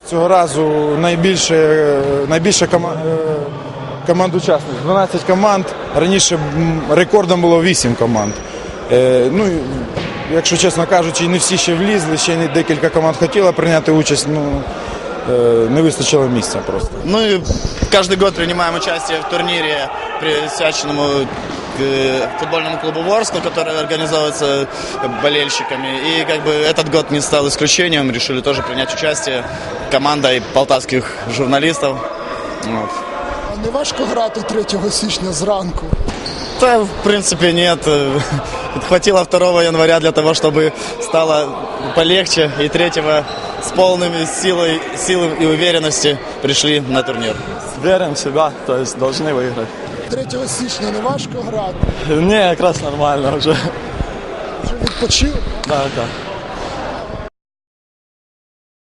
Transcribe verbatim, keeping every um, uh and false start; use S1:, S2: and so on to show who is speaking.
S1: Цього разу найбільше, найбільше кома- е, команд учасників, дванадцять команд, раніше м, рекордом було вісім команд. Е, Ну, і, якщо чесно кажучи, не всі ще влізли, ще не декілька команд хотіло прийняти участь, ну, е, не вистачило місця просто.
S2: Ну и каждый год принимаем участие в турнире, присвященному э, футбольному клубу Ворскла, который организовывается болельщиками. И как бы этот год не стал исключением, решили тоже принять участие командой полтавских журналистов. Вот.
S3: А не важко грати третього січня зранку?
S2: Да, в принципе, нет. Хватило второго января для того, чтобы стало полегче. И третьего с полными силой, силой и уверенности пришли на турнир.
S4: Верим в себя, то есть должны выиграть.
S3: третього січня не важко грати?
S4: Не, как раз нормально уже.
S3: Вже відпочив?
S4: Да, да.